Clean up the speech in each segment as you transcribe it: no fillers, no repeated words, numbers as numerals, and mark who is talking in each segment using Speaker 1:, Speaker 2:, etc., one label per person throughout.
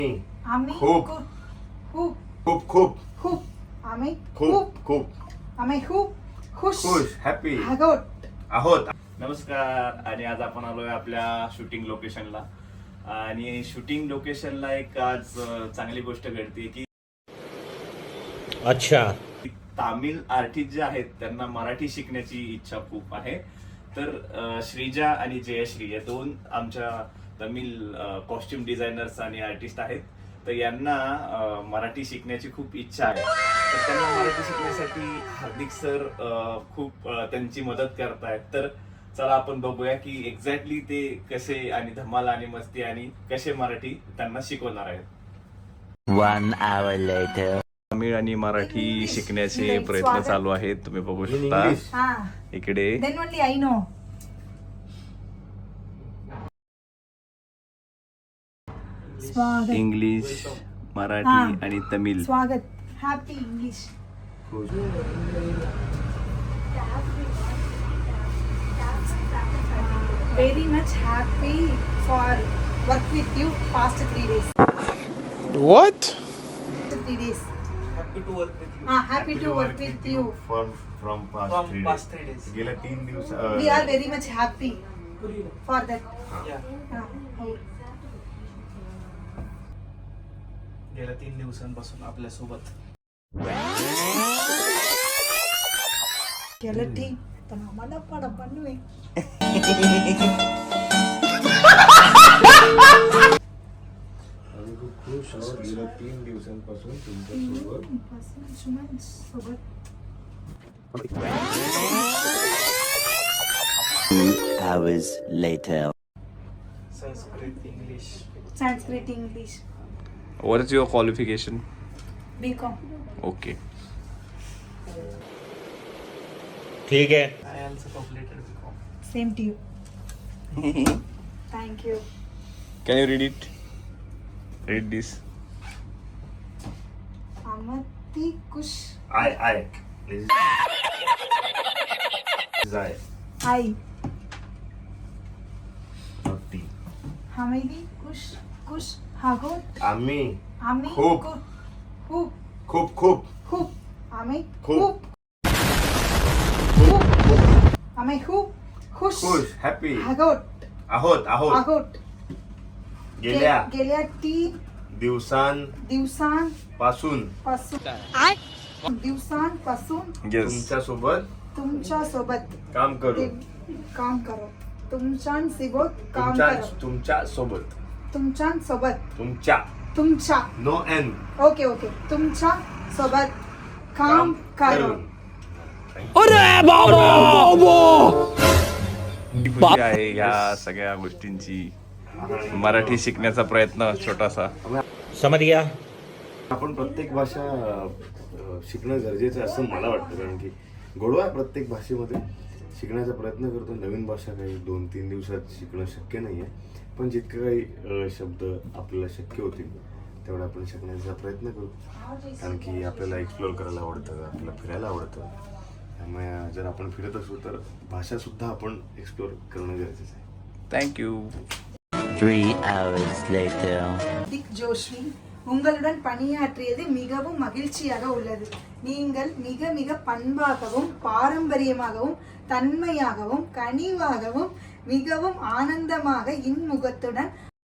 Speaker 1: आम्ही
Speaker 2: खूप
Speaker 1: खूप
Speaker 2: खूप खूप
Speaker 1: खूप आम्ही
Speaker 2: खूप खूप
Speaker 1: आम्ही खूप खुश
Speaker 2: हॅपी
Speaker 1: आहोत.
Speaker 3: नमस्कार. आणि आज आपण आलोय आपल्या शूटिंग लोकेशनला. आणि शूटिंग लोकेशनला एक आज चांगली गोष्ट घडते की
Speaker 4: अच्छा
Speaker 3: तामिळ आर्टिस्ट जे आहेत त्यांना मराठी शिकण्याची इच्छा खूप आहे. तर श्रीजा आणि जयश्री या दोन आमच्या तमिळ कॉस्ट्युम डिझायनर्स आणि आर्टिस्ट आहेत. तर यांना मराठी शिकण्याची खूप इच्छा आहे. तर त्यांना मराठी शिकण्यासाठी हार्दिक सर खूप त्यांची मदत करतायत. तर चला आपण बघूया की एक्झॅक्टली ते कसे आणि धमाल आणि मस्ती आणि कसे मराठी त्यांना शिकवणार आहेत.
Speaker 4: 1 hour later.
Speaker 3: तमिळ आणि मराठी शिकण्याचे प्रयत्न
Speaker 1: स्वागत.
Speaker 3: चालू आहेत. तुम्ही बघू
Speaker 2: In
Speaker 3: शकता
Speaker 2: English.
Speaker 1: हा
Speaker 3: इकडे
Speaker 1: देन ओनली आय नो. स्वागत
Speaker 3: इंग्लिश, मराठी
Speaker 1: हा.
Speaker 3: आणि तमिळ.
Speaker 1: स्वागत happy English. Very much happy for work with you past 3 days.
Speaker 4: What?
Speaker 1: 3 days.
Speaker 5: Happy to work with you.
Speaker 1: Happy to work with you.
Speaker 2: from
Speaker 5: From
Speaker 2: past 3
Speaker 5: 3 days.
Speaker 2: गेल्या 3 दिवस
Speaker 1: We are very much happy for that.
Speaker 5: Yeah.
Speaker 1: हो.
Speaker 5: गेल्या 3 दिवसांपासून आपल्या सोबत
Speaker 1: केलं ठीक पण आम्हाला पडा बनवे.
Speaker 2: आम्ही खूप खुश आहोत गेल्या 3 दिवसांपासून तुमच्यासोबत
Speaker 1: सोबत
Speaker 4: 2 hours later.
Speaker 5: Sanskrit English
Speaker 1: Sanskrit English
Speaker 3: What is your qualification?
Speaker 1: BCom.
Speaker 3: Okay.
Speaker 4: ठीक है.
Speaker 5: I also completed BCom.
Speaker 1: Same to you. Thank you.
Speaker 3: Can you read it? Read this.
Speaker 1: आमती कुश
Speaker 2: आय जाय
Speaker 1: आई
Speaker 2: नक्की
Speaker 1: हमेली कुश कुश हागोट
Speaker 2: आम्ही
Speaker 1: आम्ही
Speaker 2: खूप.
Speaker 1: खूप
Speaker 2: खूप खूप
Speaker 1: खूप आम्ही
Speaker 2: खूप.
Speaker 1: खूप आम्ही खूप खुश
Speaker 2: हॅपी
Speaker 1: हागोट
Speaker 2: आहोत
Speaker 1: आहोत.
Speaker 2: गेल्या
Speaker 1: गेल्या 3
Speaker 2: दिवसांपासून
Speaker 1: दिवसांपासून
Speaker 3: Yes.
Speaker 1: तुमच्या सोबत
Speaker 2: काम करू
Speaker 1: काम करो. तुमच्यासोबत काम करो. तुमच्या
Speaker 2: नो एन
Speaker 1: ओके तुमच्या सोबत काम करो.
Speaker 3: खुशी आहे या सगळ्या गोष्टींची. मराठी शिकण्याचा प्रयत्न छोटासा.
Speaker 4: समझ गया.
Speaker 2: आपण प्रत्येक भाषा शिकणं गरजेचं आहे असं मला वाटतं, कारण की गोडवा प्रत्येक भाषेमध्ये शिकण्याचा प्रयत्न करतो. नवीन भाषा काही 2-3 दिवसात शिकणं शक्य नाही आहे, पण जितके काही शब्द आपल्याला शक्य होतील तेवढा आपण शिकण्याचा प्रयत्न करू, कारण की आपल्याला एक्सप्लोअर करायला आवडतं, आपल्याला फिरायला आवडतं. त्यामुळे जर आपण फिरत असू तर भाषासुद्धा आपण एक्सप्लोअर करणं गरजेचं आहे.
Speaker 3: थँक्यू.
Speaker 4: 3 hours later.
Speaker 1: திக் ஜோஷ்வி உங்களுடன் பணியாற்றியது மிகவும் மகிழ்ச்சியாக உள்ளது. நீங்கள் மிக மிக பண்பாகவும் பாரம்பரியமாகவும் தன்மையாகவும் கனிவாகவும் மிகவும் ஆனந்தமாக இன்முகத்துடன்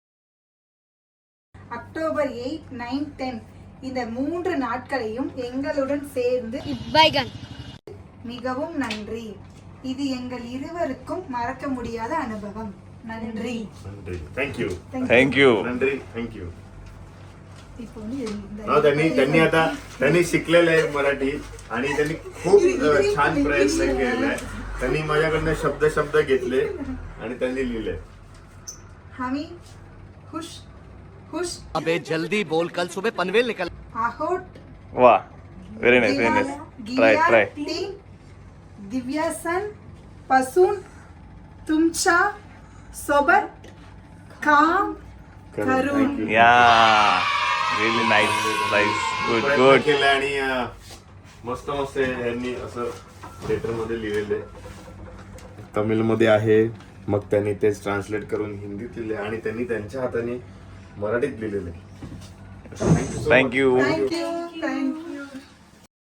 Speaker 1: அக்டோபர் 8, 9, 10 இந்த 3 நாட்களையும் எங்களுடன் சேர்ந்து மிகவும் நன்றி. இது எங்கள் இருவருக்கும் மறக்க முடியாத அனுபவம். நன்றி.
Speaker 2: थँक्यू.
Speaker 3: थँक्यू.
Speaker 2: नंद्री थँक्यू.
Speaker 1: இப்போ வந்து
Speaker 2: त्यांनी शिकलेलं आहे मराठी आणि त्यांनी खूप छान प्रयत्न केलाय. त्यांनी माझ्याकडनं शब्द घेतले आणि त्यांनी लिहिले.
Speaker 1: हामी खुश खुश
Speaker 6: अबे जल्दी बोल, कल सुबह पनवेल निकल.
Speaker 1: आहोत.
Speaker 3: वा. Very nice. ट्राय.
Speaker 1: दिव्यासन पासून तुमच्या सोबत काम करून.
Speaker 3: या. Really nice. गुड.
Speaker 2: केलं आणि मस्त यांनी असं लेटर मध्ये लिहिलेलं आहे. तमिळमध्ये आहे, मग त्यांनी तेच ट्रान्सलेट करून हिंदीत लिहिले आणि त्यांनी त्यांच्या हाताने मराठीत लिहिलेलं आहे. Thank you
Speaker 3: thank you
Speaker 1: thank you